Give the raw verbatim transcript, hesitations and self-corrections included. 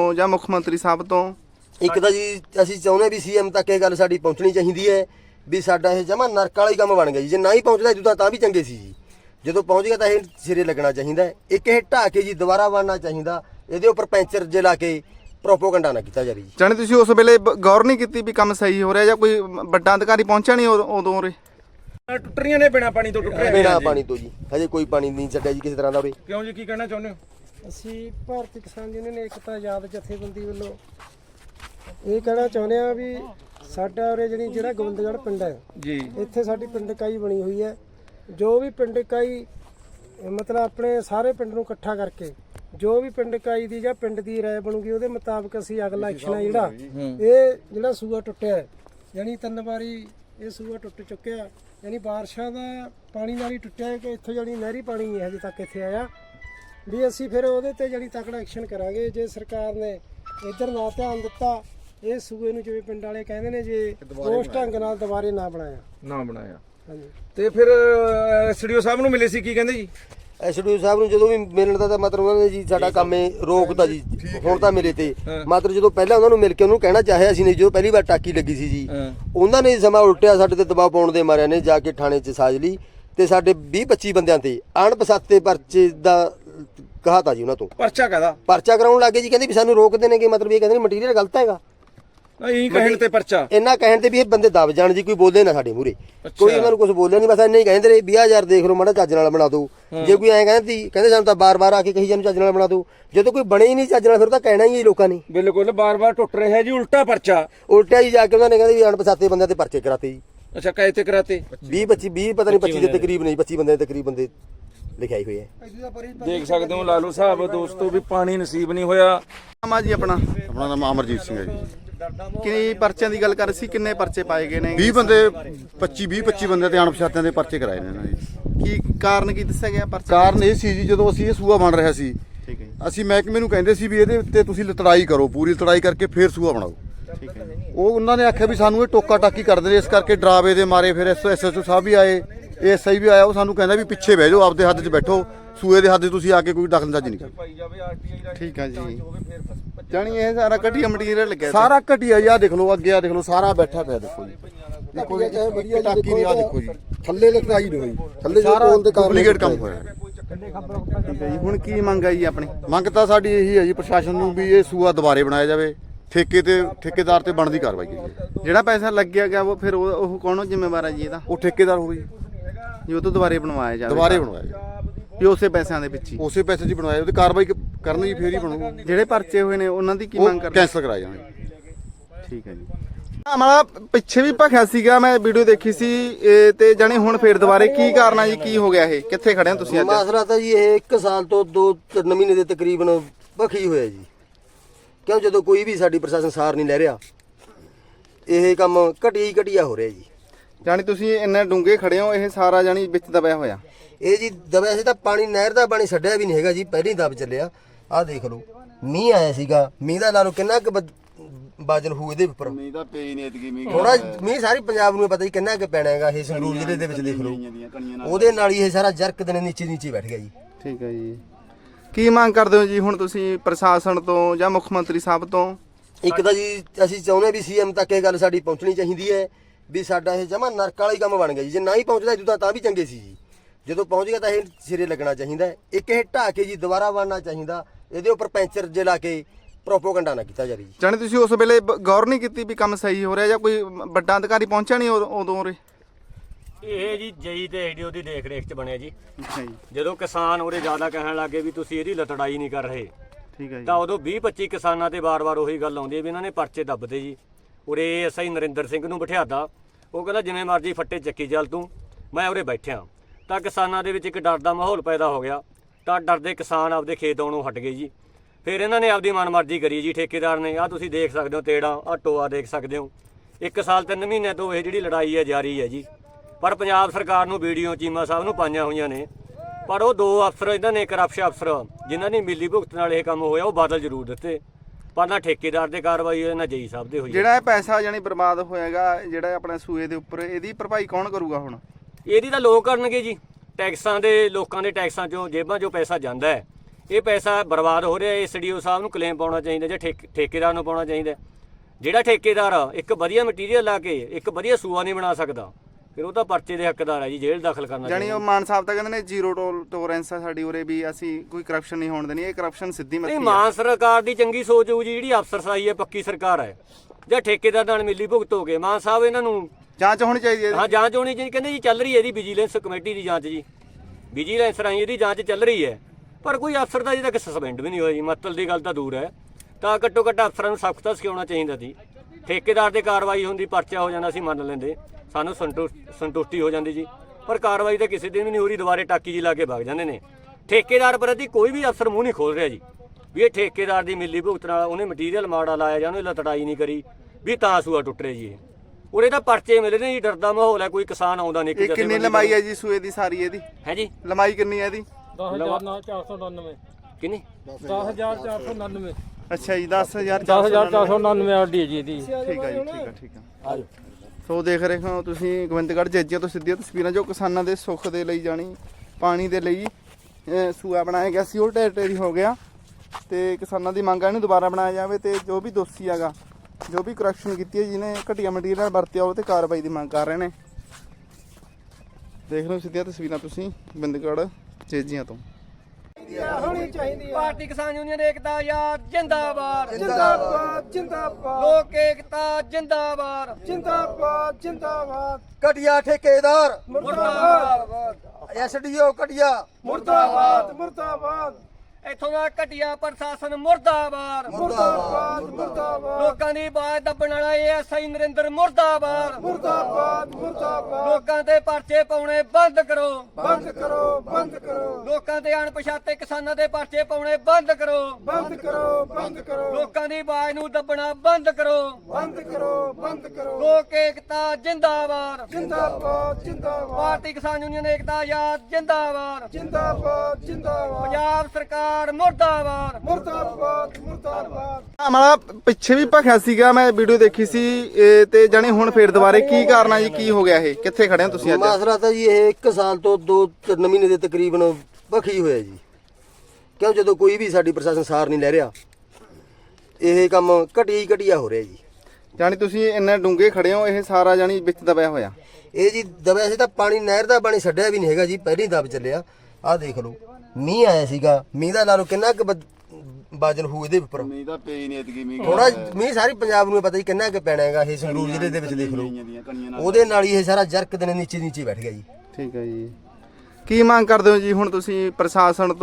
ਤੋਂ ਜਾਂ ਮੁੱਖ ਮੰਤਰੀ ਸਾਹਿਬ ਤੋਂ? ਇੱਕ ਤਾਂ ਜੀ ਅਸੀਂ ਚਾਹੁੰਦੇ ਵੀ ਸੀਐਮ ਤੱਕ ਇਹ ਗੱਲ ਸਾਡੀ ਪਹੁੰਚਣੀ ਚਾਹੀਦੀ ਹੈ ਵੀ ਸਾਡਾ ਇਹ ਜਮਾ ਨਰਕ ਵਾਲਾ ਹੀ ਕੰਮ ਬਣ ਗਿਆ ਜੀ। ਜੇ ਨਾ ਹੀ ਪਹੁੰਚਦਾ ਇਦੋਂ ਤਾਂ ਵੀ ਚੰਗੇ ਸੀ ਜੀ, ਜਦੋਂ ਪਹੁੰਚ ਗਿਆ ਤਾਂ ਇਹ ਸਿਰੇ ਲੱਗਣਾ ਚਾਹੀਦਾ ਹੈ। ਇੱਕ ਇਹ ਢਾਹ ਕੇ ਜੀ ਦੁਬਾਰਾ ਬਣਨਾ ਚਾਹੀਦਾ, ਇਹਦੇ ਉੱਪਰ ਪੈਂਚਰ ਜੇ ਲਾ ਕੇ ਪ੍ਰੋਪੋਗੰਡਾ ਨਾ ਕੀਤਾ ਜਾਵੇ ਜੀ। ਜਾਣੀ ਤੁਸੀਂ ਉਸ ਵੇਲੇ ਗੌਰ ਨਹੀਂ ਕੀਤੀ ਵੀ ਕੰਮ ਸਹੀ ਹੋ ਰਿਹਾ ਜਾਂ ਕੋਈ ਵੱਡਾ ਅਧਿਕਾਰੀ ਪਹੁੰਚਿਆ ਨਹੀਂ ਉਦੋਂ ਉਰੇ? ਟੁੱਟ ਰਹੀਆਂ ਨੇ ਬਿਨਾ ਪਾਣੀ ਤੋਂ ਟੁੱਟ ਰਹੀਆਂ ਬਿਨਾਂ ਪਾਣੀ ਤੋਂ ਜੀ, ਹਜੇ ਕੋਈ ਪਾਣੀ ਨਹੀਂ ਛੱਡਿਆ ਜੀ ਕਿਸੇ ਤਰ੍ਹਾਂ ਦਾ ਉਰੇ। ਕਿਉਂ ਜੀ, ਕੀ ਕਹਿਣਾ ਚਾਹੁੰਦੇ ਹੋ? ਅਸੀਂ ਭਾਰਤੀ ਕਿਸਾਨ ਯੂਨੀਅਨ ਏਕਤਾ ਆਜ਼ਾਦ ਜਥੇਬੰਦੀ ਵੱਲੋਂ ਇਹ ਕਹਿਣਾ ਚਾਹੁੰਦੇ ਆ ਵੀ ਸਾਡਾ ਉਰੇ ਜਿਹੜੀ ਜਿਹੜਾ ਗੋਬਿੰਦਗੜ੍ਹ ਪਿੰਡ ਹੈ ਜੀ, ਇੱਥੇ ਸਾਡੀ ਪਿੰਡ ਇਕਾਈ ਬਣੀ ਹੋਈ ਹੈ। ਜੋ ਵੀ ਪਿੰਡ ਇਕਾਈ ਮਤਲਬ ਆਪਣੇ ਸਾਰੇ ਪਿੰਡ ਨੂੰ ਇਕੱਠਾ ਕਰਕੇ ਜੋ ਵੀ ਪਿੰਡ ਇਕਾਈ ਦੀ ਜਾਂ ਪਿੰਡ ਦੀ ਰਾਏ ਬਣੂਗੀ ਉਹਦੇ ਮੁਤਾਬਕ ਅਸੀਂ ਅਗਲਾ ਐਕਸ਼ਨ ਹੈ ਜਿਹੜਾ ਇਹ ਜਿਹੜਾ ਸੂਆ ਟੁੱਟਿਆ ਹੈ, ਯਾਨੀ ਤਿੰਨ ਵਾਰੀ ਇਹ ਸੂਆ ਟੁੱਟ ਚੁੱਕਿਆ, ਯਾਨੀ ਬਾਰਿਸ਼ਾਂ ਦਾ ਪਾਣੀ ਨਾਲ ਹੀ ਟੁੱਟਿਆ ਕਿ ਇੱਥੋਂ ਜਿਹੜੀ ਨਹਿਰੀ ਪਾਣੀ ਨਹੀਂ ਹਜੇ ਤੱਕ ਇੱਥੇ ਆਇਆ ਵੀ ਅਸੀਂ ਫਿਰ ਉਹਦੇ ਤੇ ਜਿਹੜੀ ਤਕੜਾ ਐਕਸ਼ਨ ਕਰਾਂਗੇ। ਜੇ ਸਰਕਾਰ ਨੇ ਇੱਧਰ ਨਾ ਧਿਆਨ ਦਿੱਤਾ ਇਹ ਸੂਏ ਨੂੰ ਜਿਵੇਂ ਪਿੰਡ ਵਾਲੇ ਕਹਿੰਦੇ ਨੇ ਜੇ ਉਸ ਢੰਗ ਨਾਲ ਦੁਬਾਰੇ ਨਾ ਬਣਾਇਆ ਨਾ ਬਣਾਇਆ ਹਾਂਜੀ ਤੇ ਫਿਰ ਐਸਡੀਓ ਸਾਹਿਬ ਨੂੰ ਮਿਲੇ ਸੀ, ਕੀ ਕਹਿੰਦੇ ਜੀ? ਐਸਡੀਓ ਸਾਹਿਬ ਨੂੰ ਜਦੋਂ ਵੀ ਮਿਲਣ ਦਾ ਤਾਂ ਮਤਲਬ ਉਹਨਾਂ ਨੇ ਜੀ ਸਾਡਾ ਕੰਮ ਇਹ ਰੋਕਤਾ ਜੀ। ਹੁਣ ਤਾਂ ਮਿਲੇ ਤੇ ਮਤਲਬ ਜਦੋਂ ਪਹਿਲਾਂ ਉਹਨਾਂ ਨੂੰ ਮਿਲ ਕੇ ਉਹਨੂੰ ਕਹਿਣਾ ਚਾਹਿਆ ਸੀ ਨੇ, ਜਦੋਂ ਪਹਿਲੀ ਵਾਰ ਟਾਕੀ ਲੱਗੀ ਸੀ ਜੀ ਉਹਨਾਂ ਨੇ ਸਮਾਂ ਉਲਟਿਆ ਸਾਡੇ ਤੇ ਦਬਾਅ ਪਾਉਣ ਦੇ ਮਾਰਿਆਂ ਨੇ ਜਾ ਕੇ ਥਾਣੇ 'ਚ ਸਾਜ ਲਈ ਤੇ ਸਾਡੇ ਵੀਹ ਪੱਚੀ ਬੰਦਿਆਂ ਤੇ ਅਣਪਛਾਤੇ ਪਰਚੇ ਦਾ ਕਹਾਤਾ ਜੀ ਉਹਨਾਂ ਤੋਂ। ਪਰਚਾ ਕਾਹਦਾ? ਪਰਚਾ ਕਰਾਉਣ ਲੱਗੇ ਜੀ, ਕਹਿੰਦੇ ਵੀ ਸਾਨੂੰ ਰੋਕਦੇ ਨੇਗੇ, ਮਤਲਬ ਇਹ ਕਹਿੰਦੇ ਨੇ ਮਟੀਰੀਅਲ ਗਲਤ ਹੈਗਾ। ਨਹੀਂ ਕਹਿਣ ਤੇ ਪਰਚਾ ਇੰਨਾ ਕਹਿਣ ਤੇ ਵੀ ਇਹ ਬੰਦੇ ਦਬ ਜਾਣ ਜੀ, ਕੋਈ ਬੋਲੇ ਨਾ ਸਾਡੇ ਮੂਹਰੇ, ਕੋਈ ਉਹਨਾਂ ਨੂੰ ਕੁਝ ਬੋਲਿਆ ਨਹੀਂ, ਬਸ ਇੰਨੇ ਹੀ ਕਹਿੰਦੇ ਰਹੇ ਵੀਹ ਹਜ਼ਾਰ ਦੇਖ ਲਓ ਮਾੜਾ ਚੱਜ ਨਾਲ ਬਣਾ ਦਿਓ। ਜੇ ਕੋਈ ਐਂ ਕਹਿੰਦੀ ਕਹਿੰਦੇ ਸਾਨੂੰ ਤਾਂ ਬਾਰ-ਬਾਰ ਆ ਕੇ ਕਹੀ ਜਾਨੂੰ ਚੱਜ ਨਾਲ ਬਣਾ ਦਿਓ, ਜਦੋਂ ਕੋਈ ਬਣੇ ਹੀ ਨਹੀਂ ਚੱਜ ਨਾਲ ਫਿਰ ਤਾਂ ਕਹਿਣਾ ਹੀ ਹੈ ਲੋਕਾਂ ਨੇ। ਬਿਲਕੁਲ ਬਾਰ-ਬਾਰ ਟੁੱਟ ਰਿਹਾ ਜੀ, ਉਲਟਾ ਪਰਚਾ ਉਲਟਿਆ ਜੀ ਜਾ ਕੇ ਉਹਨਾਂ ਨੇ ਕਹਿੰਦੇ ਵੀ ਅਣਪਛਾਤੇ ਬੰਦਿਆਂ ਤੇ ਪਰਚੇ ਕਰਾਤੇ ਜੀ। ਅੱਛਾ, ਕਾਇ ਤੇ ਕਰਾਤੇ? ਵੀਹ ਪੱਚੀ ਵੀਹ ਪਤਾ ਨਹੀਂ ਪੱਚੀ ਦੇ ਤਕਰੀਬ ਨਹੀਂ, ਪੱਚੀ ਬੰਦੇ ਦੇ ਤਕਰੀਬ ਬੰਦੇ ਲਿਖਾਈ ਹੋਈ ਹੈ। ਦੇਖ ਸਕਦੇ ਹੋ ਲਾਲੂ ਸਾਹਿਬ ਦੋਸਤੋ ਵੀ ਪਾਣੀ ਨਸੀਬ ਨਹੀਂ ਹੋਇਆ। ਨਾਮ ਆ ਜੀ ਆਪਣਾ? ਆਪਣਾ ਨਾਮ ਅਮਰਜੀਤ ਸਿੰਘ ਹੈ ਜੀ। ਕਿੰਨੇ ਪਰਚਿਆਂ ਦੀ ਗੱਲ ਕਰ ਸੀ, ਕਿੰਨੇ ਪਰਚੇ ਪਾਏ ਗਏ ਨੇ? ਵੀਹ ਬੰਦੇ ਪੱਚੀ ਵੀਹ ਪੱਚੀ ਬੰਦੇ ਤੇ ਅਣਪਛਾਤਿਆਂ ਦੇ ਪਰਚੇ ਕਰਾਏ ਨੇ ਇਹਨਾਂ ਜੀ। ਕੀ ਕਾਰਨ ਕੀ ਦੱਸਿਆ ਗਿਆ ਪਰਚੇ? ਕਾਰਨ ਇਹ ਸੀ ਜੀ, ਜਦੋਂ ਅਸੀਂ ਇਹ ਸੂਆ ਬਣ ਰਿਹਾ ਸੀ ਠੀਕ ਹੈ ਜੀ, ਅਸੀਂ ਮਹਿਕਮੇ ਨੂੰ ਕਹਿੰਦੇ ਸੀ ਵੀ ਇਹਦੇ ਉੱਤੇ ਤੁਸੀਂ ਲਤੜਾਈ ਕਰੋ, ਪੂਰੀ ਲਤੜਾਈ ਕਰਕੇ ਫੇਰ ਸੂਆ ਬਣਾਓ। ਠੀਕ ਹੈ ਜੀ। ਉਹ ਉਹਨਾਂ ਨੇ ਆਖਿਆ ਵੀ ਸਾਨੂੰ ਇਹ ਟੋਕਾ ਟਾਕੀ ਕਰਦੇ ਨੇ, ਇਸ ਕਰਕੇ ਡਰਾਵੇ ਦੇ ਮਾਰੇ ਫਿਰ ਐਸਐਚਓ ਸਾਹਿਬ ਵੀ ਆਏ, ਐਸਆਈ ਵੀ ਆਇਆ, ਉਹ ਸਾਨੂੰ ਕਹਿੰਦਾ ਵੀ ਪਿੱਛੇ ਬਹਿ ਜਾਓ, ਆਪਦੇ ਹੱਦ 'ਚ ਬੈਠੋ, ਸੂਏ ਦੇ ਹੱਦ 'ਚ ਤੁਸੀਂ ਆ ਕੇ ਕੋਈ ਦਖਲਅੰਦਾਜ਼ੀ ਨਹੀਂ ਕਰੋ। ਠੀਕ ਹੈ ਜੀ, ਜਾਣੀ ਇਹ ਸਾਰਾ ਘਟੀਆ ਮਟੀਰੀਅਲ ਲੱਗਿਆ ਸਾਰਾ ਘਟੀਆ ਜੀ, ਆਹ ਦੇਖ ਲਓ ਅੱਗੇ, ਆ ਦੇਖ ਲਓ ਸਾਰਾ ਬੈਠਾ ਪਿਆ, ਦੇਖੋ ਜੀ ਦੇਖੋ ਜੀ ਟਾਕੀ ਨਹੀਂ, ਆ ਦੇਖੋ ਜੀ ਥੱਲੇ ਲਟਾਈ ਨਹੀਂ ਹੋਈ, ਥੱਲੇ ਸਾਰਾ ਡੁਪਲੀਕੇਟ ਕੰਮ ਹੋਇਆ। ਠੀਕ ਹੈ ਜੀ, ਹੁਣ ਕੀ ਮੰਗ ਆਈ ਆਪਣੀ? ਮੰਗ ਤਾਂ ਸਾਡੀ ਇਹੀ ਹੈ ਜੀ ਪ੍ਰਸ਼ਾਸਨ ਨੂੰ ਵੀ ਇਹ ਸੂਆ ਦੁਬਾਰੇ ਬਣਾਇਆ ਜਾਵੇ, ਠੇਕੇ ਤੇ ਠੇਕੇਦਾਰ ਤੇ ਬਣਦੀ ਕਾਰਵਾਈ ਕੀਤੀ। ਜਿਹੜਾ ਪੈਸਾ ਲੱਗਿਆ ਗਿਆ ਉਹ ਫਿਰ ਉਹ ਉਹ ਕੌਣ ਜ਼ਿੰਮੇਵਾਰ ਹੈ ਜੀ ਇਹਦਾ? ਉਹ ਠੇਕੇਦਾਰ ਹੋਵੇ ਜੀ, ਉਹ ਤੋਂ ਦੁਬਾਰੇ ਬਣਵਾਇਆ ਜਾਵੇ, ਦੁਬਾਰੇ ਬਣਵਾਇਆ ਜਾਵੇ, ਵੀ ਉਸੇ ਪੈਸਿਆਂ ਦੇ ਵਿੱਚ ਹੀ ਉਸੇ ਪੈਸੇ 'ਚ ਬਣਵਾਇਆ, ਉਹਦੀ ਕਾਰਵਾਈ ਕਰਨ ਜੀ ਫੇਰ ਹੀ ਬਣੂ। ਜਿਹੜੇ ਪਰਚੇ ਹੋਏ ਨੇ ਉਹਨਾਂ ਦੀ ਕੀ ਮੰਗ ਉਹ ਕਰਦੇ? ਕੈਂਸਲ ਕਰਾਏ ਜਾਣ। ਠੀਕ ਹੈ ਜੀ। ਹਮਾਰਾ ਪਿੱਛੇ ਵੀ ਭਖਿਆ ਸੀਗਾ, ਮੈਂ ਵੀਡੀਓ ਦੇਖੀ ਸੀ ਇਹ ਤੇ ਜਾਣੀ ਹੁਣ ਫੇਰ ਦੁਬਾਰੇ ਕੀ ਕਾਰਨ ਆ ਜੀ, ਕੀ ਹੋ ਗਿਆ ਇਹ, ਕਿੱਥੇ ਖੜੇ ਹੋ ਤੁਸੀਂ ਅੱਜ? ਮਸਲਾ ਤਾਂ ਜੀ ਇਹ ਇੱਕ ਸਾਲ ਤੋਂ ਦੋ ਤਿੰਨ ਮਹੀਨੇ ਦੇ ਤਕਰੀਬਨ ਭਖੀ ਹੋਇਆ ਜੀ, ਕਿਉਂ ਜਦੋਂ ਕੋਈ ਵੀ ਸਾਡੀ ਪ੍ਰਸ਼ਾਸਨ ਸਾਰ ਨਹੀਂ ਲੈ ਰਿਹਾ, ਇਹ ਕੰਮ ਘਟੀਆ ਹੀ ਘਟੀਆ ਹੋ ਰਿਹਾ ਜੀ। ਜਾਣੀ ਤੁਸੀਂ ਇੰਨੇ ਡੂੰਘੇ ਖੜੇ ਹੋ, ਇਹ ਸਾਰਾ ਜਾਣੀ ਵਿੱਚ ਦਬਿਆ ਹੋਇਆ? ਇਹ ਜੀ ਦਬਿਆ ਸੀ ਤਾਂ ਪਾਣੀ ਨਹਿਰ ਦਾ ਪਾਣੀ ਛੱਡਿਆ ਵੀ ਨਹੀਂ ਹੈਗਾ ਜੀ, ਪਹਿਲਾਂ ਹੀ ਦਬ ਚੱਲਿਆ। ਆਹ ਦੇਖ ਲਓ ਮੀਂਹ ਆਇਆ ਸੀਗਾ, ਮੀਂਹ ਦਾ ਲਾ ਲਓ ਕਿੰਨਾ ਕੁ ਬਾਜਲ ਹੋਊ ਇਹਦੇ ਉੱਪਰ। ਮੀਂਹ ਤਾਂ ਪਈ ਨਹੀਂ ਇਤਕੀ, ਮੀਂਹ ਥੋੜਾ ਮੀਂਹ ਸਾਰੀ ਪੰਜਾਬ ਨੂੰ ਪਤਾ ਹੀ ਕਿੰਨਾ ਕੁ ਪੈਣਾ ਹੈਗਾ, ਇਹ ਸੰਗਰੂਰ ਜ਼ਿਲ੍ਹੇ ਦੇ ਵਿੱਚ ਦੇਖ ਲਓ, ਉਹਦੇ ਨਾਲ ਹੀ ਇਹ ਸਾਰਾ ਜਰਕ ਦੇ ਨੀਚੇ ਨੀਚੇ ਬੈਠ ਗਿਆ ਜੀ। ਠੀਕ ਹੈ ਜੀ, ਕੀ ਮੰਗ ਕਰਦੇ ਹੋ ਜੀ ਹੁਣ ਤੁਸੀਂ ਪ੍ਰਸ਼ਾਸਨ ਤੋਂ ਜਾਂ ਮੁੱਖ ਮੰਤਰੀ ਸਾਹਿਬ ਤੋਂ? ਇੱਕ ਤਾਂ ਜੀ ਅਸੀਂ ਚਾਹੁੰਦੇ ਵੀ ਸੀਐਮ ਤੱਕ ਇਹ ਗੱਲ ਸਾਡੀ ਪਹੁੰਚਣੀ ਚਾਹੀਦੀ ਹੈ ਵੀ ਸਾਡਾ ਇਹ ਜਮਾ ਨਰਕ ਵਾਲਾ ਹੀ ਕੰਮ ਬਣ ਗਿਆ ਜੀ। ਜੇ ਨਾ ਹੀ ਪਹੁੰਚਦਾ ਇਦੋਂ ਤਾਂ ਵੀ ਚੰਗੇ ਸੀ ਜੀ, ਜਦੋਂ ਪਹੁੰਚ ਗਿਆ ਤਾਂ ਇਹ ਸਿਰੇ ਲੱਗਣਾ ਚਾਹੀਦਾ ਹੈ। ਇੱਕ ਇਹ ਢਾਹ ਕੇ ਜੀ ਦੁਬਾਰਾ ਬਣਨਾ ਚਾਹੀਦਾ, ਇਹਦੇ ਉੱਪਰ ਪੈਂਚਰ ਜੇ ਲਾ ਕੇ ਪ੍ਰੋਪੋਗੰਡਾ ਨਾ ਕੀਤਾ ਜਾਵੇ ਜੀ। ਜਾਣੀ ਤੁਸੀਂ ਉਸ ਵੇਲੇ ਗੌਰ ਨਹੀਂ ਕੀਤੀ ਵੀ ਕੰਮ ਸਹੀ ਹੋ ਰਿਹਾ ਜਾਂ ਕੋਈ ਵੱਡਾ ਅਧਿਕਾਰੀ ਪਹੁੰਚਿਆ ਨਹੀਂ ਉਦੋਂ ਉਰੇ? ਇਹ ਜੀ ਜਈ ਤੇ ਏਡੀਓ ਦੀ ਦੇਖ ਰੇਖ ਚ ਬਣਿਆ ਜੀ। ਅੱਛਾ ਜੀ, ਜਦੋਂ ਕਿਸਾਨ ਉਰੇ ਜ਼ਿਆਦਾ ਕਹਿਣ ਲੱਗੇ ਵੀ ਤੁਸੀਂ ਇਹਦੀ ਲਤੜਾਈ ਨਹੀਂ ਕਰ ਰਹੇ, ਠੀਕ ਹੈ ਜੀ, ਤਾਂ ਉਦੋਂ ਵੀਹ ਪੱਚੀ ਕਿਸਾਨਾਂ ਤੇ ਵਾਰ-ਵਾਰ ਉਹੀ ਗੱਲ ਆਉਂਦੀ ਹੈ ਵੀ ਇਹਨਾਂ ਨੇ ਪਰਚੇ ਦੱਬਦੇ ਜੀ। ਉਰੇ ਐਸਆਈ ਨਰਿੰਦਰ ਸਿੰਘ ਨੂੰ ਬਿਠਾਤਾ, ਉਹ ਕਹਿੰਦਾ ਜਿਵੇਂ ਮਰਜ਼ੀ ਫੱਟੇ ਚੱਕੀ ਚੱਲ ਤੂੰ, ਮੈਂ ਉਰੇ ਬੈਠਿਆ। ਤਾਂ ਕਿਸਾਨਾਂ ਦੇ ਵਿੱਚ ਇੱਕ ਡਰ ਦਾ ਮਾਹੌਲ ਪੈਦਾ ਹੋ ਗਿਆ, ਤਾਂ ਡਰਦੇ ਕਿਸਾਨ ਆਪਦੇ ਖੇਤ ਆਉਣੋਂ ਹਟ ਗਏ ਜੀ। ਫਿਰ ਇਹਨਾਂ ਨੇ ਆਪਦੀ ਮਨਮਰਜ਼ੀ ਕਰੀ ਜੀ, ਠੇਕੇਦਾਰ ਨੇ। ਆਹ ਤੁਸੀਂ ਦੇਖ ਸਕਦੇ ਹੋ ਤੇੜਾ, ਆਹ ਟੋਆ ਦੇਖ ਸਕਦੇ ਹੋ। ਇੱਕ ਸਾਲ ਤਿੰਨ ਮਹੀਨਿਆਂ ਤੋਂ ਇਹ ਜਿਹੜੀ ਲੜਾਈ ਹੈ ਜਾਰੀ ਹੈ ਜੀ। ਪਰ ਪੰਜਾਬ ਸਰਕਾਰ ਨੂੰ ਵੀਡੀਓ ਚੀਮਾ ਸਾਹਿਬ ਨੂੰ ਪਾਈਆਂ ਹੋਈਆਂ ਨੇ, ਪਰ ਉਹ ਦੋ ਅਫਸਰ ਇਹਨਾਂ ਨੇ ਕਰਪਸ਼ਨ ਅਫਸਰ ਜਿਨ੍ਹਾਂ ਨੇ ਮਿਲੀ ਭੁਗਤ ਨਾਲ ਇਹ ਕੰਮ ਹੋਇਆ ਉਹ ਬਦਲ ਜ਼ਰੂਰ ਦਿੱਤੇ, ਪਰ ਨਾ ਠੇਕੇਦਾਰ ਦੇ ਕਾਰਵਾਈ ਹੋਈ ਨਾ ਜਈ ਸਾਹਿਬ ਦੇ ਹੋਈ। ਜਿਹੜਾ ਇਹ ਪੈਸਾ ਜਾਨੀ ਬਰਬਾਦ ਹੋਏਗਾ ਜਿਹੜਾ ਆਪਣੇ ਸੂਏ ਦੇ ਉੱਪਰ, ਇਹਦੀ ਭਰਪਾਈ ਕੌਣ ਕਰੂਗਾ ਹੁਣ? ਇਹਦੀ ਤਾਂ ਲੋਕ ਕਰਨਗੇ ਜੀ, ਟੈਕਸਾਂ ਦੇ, ਲੋਕਾਂ ਦੇ ਟੈਕਸਾਂ ਚੋਂ ਜੇਬਾਂ ਚੋਂ ਪੈਸਾ ਜਾਂਦਾ ਹੈ। ਇਹ ਪੈਸਾ ਬਰਬਾਦ ਹੋ ਰਿਹਾ। ਐਸਡੀਓ ਸਾਹਿਬ ਨੂੰ ਕਲੇਮ ਪਾਉਣਾ ਚਾਹੀਦਾ ਜਾਂ ਠੇਕ- ਠੇਕੇਦਾਰ ਨੂੰ ਪਾਉਣਾ ਚਾਹੀਦਾ। ਜਿਹੜਾ ਠੇਕੇਦਾਰ ਆ ਇੱਕ ਵਧੀਆ ਮਟੀਰੀਅਲ ਲਾ ਕੇ ਇੱਕ ਵਧੀਆ ਸੂਆ ਨਹੀਂ ਬਣਾ ਸਕਦਾ, ਫਿਰ ਉਹ ਤਾਂ ਪਰਚੇ ਦੇ ਹੱਕਦਾਰ ਆ ਜੀ, ਜੇਲ੍ਹ ਦਾਖਲ ਕਰਨਾ ਜਾਣੀ ਚਾਹੀਦਾ। ਉਹ ਮਾਨ ਸਾਹਿਬ ਤਾਂ ਕਹਿੰਦੇ ਨੇ ਜ਼ੀਰੋ ਟੋਲਰੈਂਸ ਆ ਸਾਡੀ ਉਰੇ ਵੀ, ਅਸੀਂ ਕੋਈ ਕਰਪਸ਼ਨ ਨਹੀਂ ਹੋਣ ਦੇਣੀ। ਇਹ ਕਰਪਸ਼ਨ ਸਿੱਧੀ ਮੱਥੀ ਨਹੀਂ, ਆ। ਮਾਨ ਸਰਕਾਰ ਦੀ ਚੰਗੀ ਸੋਚ ਹੋਊ ਜੀ, ਜਿਹੜੀ ਅਫਸਰਸ਼ਾਹੀ ਹੈ, ਪੱਕੀ ਸਰਕਾਰ ਹੈ, ਜਾਂ ਠੇਕੇਦਾਰ ਨਾਲ ਮਿਲੀ ਭੁਗਤ ਹੋ ਗਏ। ਮਾਨ ਸਾਹਿਬ ਇਹਨਾਂ ਨੂੰ ਜਾਂਚ ਹੋਣੀ ਚਾਹੀਦੀ ਹੈ। ਹਾਂ ਜਾਂਚ ਹੋਣੀ ਚਾਹੀਦੀ। ਕਹਿੰਦੇ ਜੀ ਚੱਲ ਰਹੀ ਹੈ ਇਹਦੀ ਵਿਜੀਲੈਂਸ ਕਮੇਟੀ ਦੀ ਜਾਂਚ ਜੀ, ਵਿਜੀਲੈਂਸ ਰਾਹੀਂ ਇਹਦੀ ਜਾਂਚ ਚੱਲ ਰਹੀ ਹੈ, ਪਰ ਕੋਈ ਅਫਸਰ ਦਾ ਅਜੇ ਤੱਕ ਸਸਪੈਂਡ ਵੀ ਨਹੀਂ ਹੋਇਆ ਜੀ। ਮਤਲਬ ਦੀ ਗੱਲ ਤਾਂ ਦੂਰ ਹੈ, ਤਾਂ ਘੱਟੋ ਘੱਟ ਅਫਸਰਾਂ ਨੂੰ ਸਖਤ ਸਿਖਾਉਣਾ ਚਾਹੀਦਾ ਸੀ। ਠੇਕੇਦਾਰ ਤੇ ਕਾਰਵਾਈ ਹੁੰਦੀ, ਪਰਚਾ ਹੋ ਜਾਂਦਾ, ਅਸੀਂ ਮੰਨ ਲੈਂਦੇ, ਸਾਨੂੰ ਸੰਤੁਸ਼ ਸੰਤੁਸ਼ਟੀ ਹੋ ਜਾਂਦੀ ਜੀ, ਪਰ ਕਾਰਵਾਈ ਤਾਂ ਕਿਸੇ ਦਿਨ ਵੀ ਨਹੀਂ ਹੋ ਰਹੀ। ਦੁਬਾਰੇ ਟਾਕੀ ਜੀ ਲਾ ਕੇ ਵਗ ਜਾਂਦੇ ਨੇ। ਠੇਕੇਦਾਰ ਪ੍ਰਤੀ ਕੋਈ ਵੀ ਅਫਸਰ ਮੂੰਹ ਨਹੀਂ ਖੋਲ ਰਿਹਾ ਜੀ, ਵੀ ਇਹ ਠੇਕੇਦਾਰ ਦੀ ਮਿਲੀ ਭੁਗਤ ਨਾਲ ਉਹਨੇ ਮਟੀਰੀਅਲ ਮਾੜਾ ਲਾਇਆ ਜਾਂ ਉਹਨੇ ਲਤੜਾਈ ਨਹੀਂ ਕਰੀ ਵੀ ਤਾਂ ਸੂਆ ਟੁੱਟ ਰਿਹਾ ਜੀ। ਇਹ ਉਰੇ ਤਾਂ ਪਰਚੇ ਮਿਲੇ ਨੇ ਜੀ, ਡਰਦਾ ਮਾਹੌਲ ਹੈ, ਕੋਈ ਕਿਸਾਨ ਆਉਂਦਾ ਨਹੀਂ। ਇਹ ਕਿੰਨੀ ਲੰਬਾਈ ਹੈ ਜੀ ਸੂਏ ਦੀ ਸਾਰੀ ਇਹਦੀ? ਹੈ ਜੀ ਲੰਬਾਈ ਕਿੰਨੀ ਹੈ ਇਹਦੀ? ਦਸ ਹਜ਼ਾਰ ਚਾਰ ਸੌ ਉਨਾਨਵੇਂ ਕਿੰਨੀ ਦਸ ਹਜ਼ਾਰ ਚਾਰ ਸੌ ਉਨਾਨਵੇਂ ਅੱਛਾ ਜੀ, ਦਸ ਹਜ਼ਾਰ ਦਸ ਹਜ਼ਾਰ ਚਾਰ ਸੌ ਉਨਾਨਵੇਂ ਆਰਡੀ ਹੈ ਜੀ ਇਹਦੀ। ਠੀਕ ਹੈ ਜੀ, ਠੀਕ ਹੈ, ਠੀਕ ਹੈ। ਸੋ ਦੇਖ ਰਹੇ ਹੋ ਤੁਸੀਂ ਗੋਬਿੰਦਗੜ੍ਹ ਜੇਜੀਆਂ ਤੋਂ ਸਿੱਧੀਆਂ ਤਸਵੀਰਾਂ ਜੋ ਕਿਸਾਨਾਂ ਦੇ ਸੁੱਖ ਦੇ ਲਈ ਜਾਣੀ ਪਾਣੀ ਦੇ ਲਈ ਇਹ ਸੂਆ ਬਣਾਇਆ ਗਿਆ ਸੀ, ਉਹ ਢੇਰ ਢੇਰੀ ਹੋ ਗਿਆ ਤੇ ਕਿਸਾਨਾਂ ਦੀ ਮੰਗ ਹੈ ਇਹਨੂੰ ਦੁਬਾਰਾ ਬਣਾਇਆ ਜਾਵੇ ਤੇ ਜੋ ਵੀ ਦੋਸ਼ੀ ਹੈਗਾ, ਜੋ ਵੀ ਕਰਪਸ਼ਨ ਕੀਤੀ ਹੈ, ਜਿਹਨੇ ਘਟੀਆ ਮਟੀਰੀਅਲ ਵਰਤਿਆ, ਉਹ ਤੇ ਕਾਰਵਾਈ ਦੀ ਮੰਗ ਕਰ ਰਹੇ ਨੇ। ਦੇਖ ਲਓ ਸਿੱਧੀਆਂ ਤਸਵੀਰਾਂ ਤੁਸੀਂ ਗੋਬਿੰਦਗੜ੍ਹ ਜੇਜੀਆਂ ਤੋਂ। ਹੋਣੀ ਚਾਹੀਦੀ ਹੈ। ਭਾਰਤੀ ਕਿਸਾਨ ਯੂਨੀਅਨ ਏਕਤਾ ਯਾਦ ਜਿੰਦਾਬਾਦ, ਜਿੰਦਾਬਾਦ ਜਿੰਦਾਬਾਦ ਲੋਕ ਏਕਤਾ ਜਿੰਦਾਬਾਦ, ਜਿੰਦਾਬਾਦ ਜਿੰਦਾਬਾਦ ਘਟੀਆ ਠੇਕੇਦਾਰ ਮੁਰਦਾਬਾਦ, ਐਸਡੀਓ ਘਟੀਆ ਮੁਰਦਾਬਾਦ ਮੁਰਦਾਬਾਦ ਇੱਥੋਂ ਦਾ ਘਟੀਆ ਪ੍ਰਸ਼ਾਸਨ ਮੁਰਦਾਬਾਦ, ਮੁਰਦਾਬਾਦ ਮੁਰਦਾਬਾਦ ਲੋਕਾਂ ਦੀ ਆਵਾਜ਼ ਦੱਬਣ ਵਾਲਾ ਐਸਆਈ ਨਰਿੰਦਰ ਮੁਰਦਾਬਾਦ, ਮੁਰਦਾਬਾਦ ਮੁਰਦਾਬਾਦ ਲੋਕਾਂ ਤੇ ਪਰਚੇ ਪਾਉਣੇ ਬੰਦ ਕਰੋ, ਬੰਦ ਕਰੋ ਬੰਦ ਕਰੋ ਲੋਕਾਂ ਤੇ ਅਣਪਛਾਤੇ ਕਿਸਾਨਾਂ ਦੇ ਪਰਚੇ ਪਾਉਣੇ ਬੰਦ ਕਰੋ, ਬੰਦ ਕਰੋ ਬੰਦ ਕਰੋ ਲੋਕਾਂ ਦੀ ਆਵਾਜ਼ ਨੂੰ ਦੱਬਣਾ ਬੰਦ ਕਰੋ, ਬੰਦ ਕਰੋ ਬੰਦ ਕਰੋ ਲੋਕ ਏਕਤਾ ਜਿੰਦਾਬਾਦ, ਜਿੰਦਾਬਾਦ ਜਿੰਦਾਬਾਦ ਭਾਰਤੀ ਕਿਸਾਨ ਯੂਨੀਅਨ ਏਕਤਾ ਯਾਦ ਜਿੰਦਾਬਾਦ, ਜਿੰਦਾਬਾਦ ਜਿੰਦਾਬਾਦ ਪੰਜਾਬ ਸਰਕਾਰ ਮੁਰਦਾਬਾਦ। ਮੁਰਦਾਬਾਦ ਮੁਰਦਾਬਾਦ ਹਮਾਰਾ ਪਿੱਛੇ ਵੀ ਭਖਿਆ ਸੀਗਾ, ਮੈਂ ਵੀਡੀਓ ਦੇਖੀ ਸੀ ਇਹ ਤੇ ਜਾਣੀ ਹੁਣ ਫੇਰ ਦੁਬਾਰੇ ਕੀ ਕਾਰਨ ਜੀ, ਕੀ ਹੋ ਗਿਆ ਇਹ, ਕਿੱਥੇ ਖੜੇ ਹੋ ਤੁਸੀਂ ਅੱਜ? ਮਸਲਾ ਤਾਂ ਜੀ ਇਹ ਇੱਕ ਸਾਲ ਤੋਂ ਦੋ ਤਿੰਨ ਮਹੀਨੇ ਦੇ ਤਕਰੀਬਨ ਭਖੀ ਹੋਇਆ ਜੀ। ਕਿਉਂ ਜਦੋਂ ਕੋਈ ਵੀ ਸਾਡੀ ਪ੍ਰਸ਼ਾਸਨ ਸਾਰ ਨਹੀਂ ਲੈ ਰਿਹਾ, ਇਹ ਕੰਮ ਘਟੀਆ ਹੀ ਘਟੀਆ ਹੋ ਰਿਹਾ ਜੀ। ਜਾਣੀ ਤੁਸੀਂ ਇੰਨੇ ਡੂੰਘੇ ਖੜੇ ਹੋ, ਇਹ ਸਾਰਾ ਜਾਣੀ ਵਿੱਚ ਦਬਿਆ ਹੋਇਆ। ਇਹ ਜੀ ਦਬਿਆ ਸੀ ਤਾਂ ਪਾਣੀ ਨਹਿਰ ਦਾ ਪਾਣੀ ਛੱਡਿਆ ਵੀ ਨਹੀਂ ਹੈਗਾ ਜੀ, ਪਹਿਲਾਂ ਹੀ ਦਬ ਚੱਲਿਆ। ਆਹ ਦੇਖ ਲਓ ਮੀਂਹ ਆਇਆ ਸੀਗਾ, ਮੀਂਹ ਦਾ ਲਾ ਲਓ ਕਿੰਨਾ ਕੁ ਬਾਜਨ ਹੋਊ ਇਹਦੇ ਉੱਪਰ। ਨਹੀਂ ਤਾਂ ਪਈ ਨਹੀਂ ਇਤਕੀ ਮੀਂਹ ਥੋੜਾ ਮੀਂਹ ਸਾਰੀ ਪੰਜਾਬ ਨੂੰ ਪਤਾ ਜੀ ਕਿੰਨਾ ਕੁ ਪੈਣਾ ਹੈਗਾ। ਇਹ ਸੰਗਰੂਰ ਜ਼ਿਲ੍ਹੇ ਦੇ ਵਿੱਚ ਦੇਖ ਲਓ, ਉਹਦੇ ਨਾਲ ਹੀ ਇਹ ਸਾਰਾ ਜਰਕ ਦੇ ਨੀਚੇ ਨੀਚੇ ਬੈਠ ਗਿਆ ਜੀ। ਠੀਕ ਹੈ ਜੀ, ਕੀ ਮੰਗ ਕਰਦੇ ਹੋ ਜੀ ਹੁਣ ਤੁਸੀਂ ਪ੍ਰਸ਼ਾਸਨ ਤੋਂ?